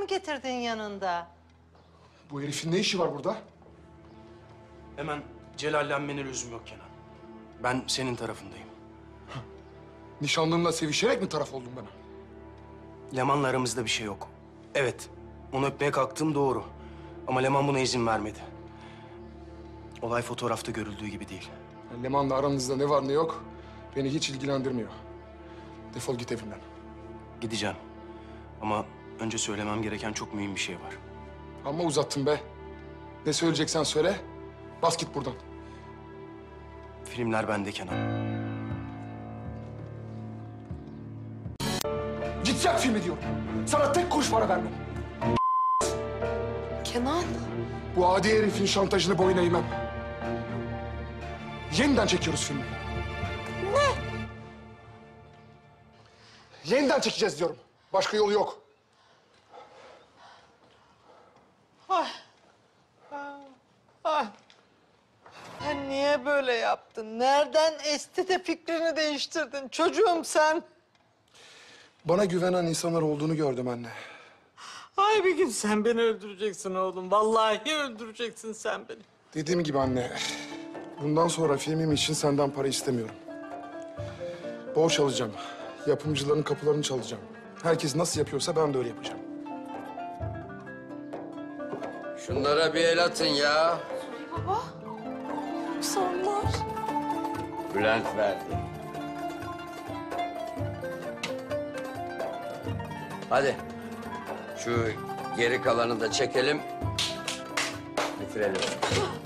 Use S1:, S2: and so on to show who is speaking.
S1: mı getirdin yanında?
S2: Bu herifin ne işi var burada?
S3: Hemen celallenmene lüzum yok Kenan. Ben senin tarafındayım.
S2: Nişanlımla sevişerek mi taraf oldun bana?
S3: Leman'la aramızda bir şey yok. Evet, onu öpmeye kalktığım doğru. Ama Leman buna izin vermedi. Olay fotoğrafta görüldüğü gibi değil.
S2: Yani Leman'la aranızda ne var ne yok beni hiç ilgilendirmiyor. Defol git evimden.
S3: Gideceğim. Ama önce söylemem gereken çok mühim bir şey var.
S2: Amma uzattın be. Ne söyleyeceksen söyle. Bas git buradan.
S3: Filmler bende Kenan.
S2: Git yap filmi diyorum. Sana tek kuruş para vermem.
S1: Kenan.
S2: Bu adi herifin şantajını boyuna eğmem. Yeniden çekiyoruz filmi. Ne? Yeniden çekeceğiz diyorum. Başka yolu yok.
S1: Sen niye böyle yaptın? Nereden esti de fikrini değiştirdin? Çocuğum sen.
S2: Bana güvenen insanlar olduğunu gördüm anne.
S1: Ay bir gün sen beni öldüreceksin oğlum. Vallahi öldüreceksin sen beni.
S2: Dediğim gibi anne, bundan sonra filmim için senden para istemiyorum. Borç alacağım. Yapımcıların kapılarını çalacağım. Herkes nasıl yapıyorsa ben de öyle yapacağım.
S4: Şunlara bir el atın ya.
S1: Sonlar.
S4: Bülent verdi. Hadi. Şu geri kalanı da çekelim. Bitirelim.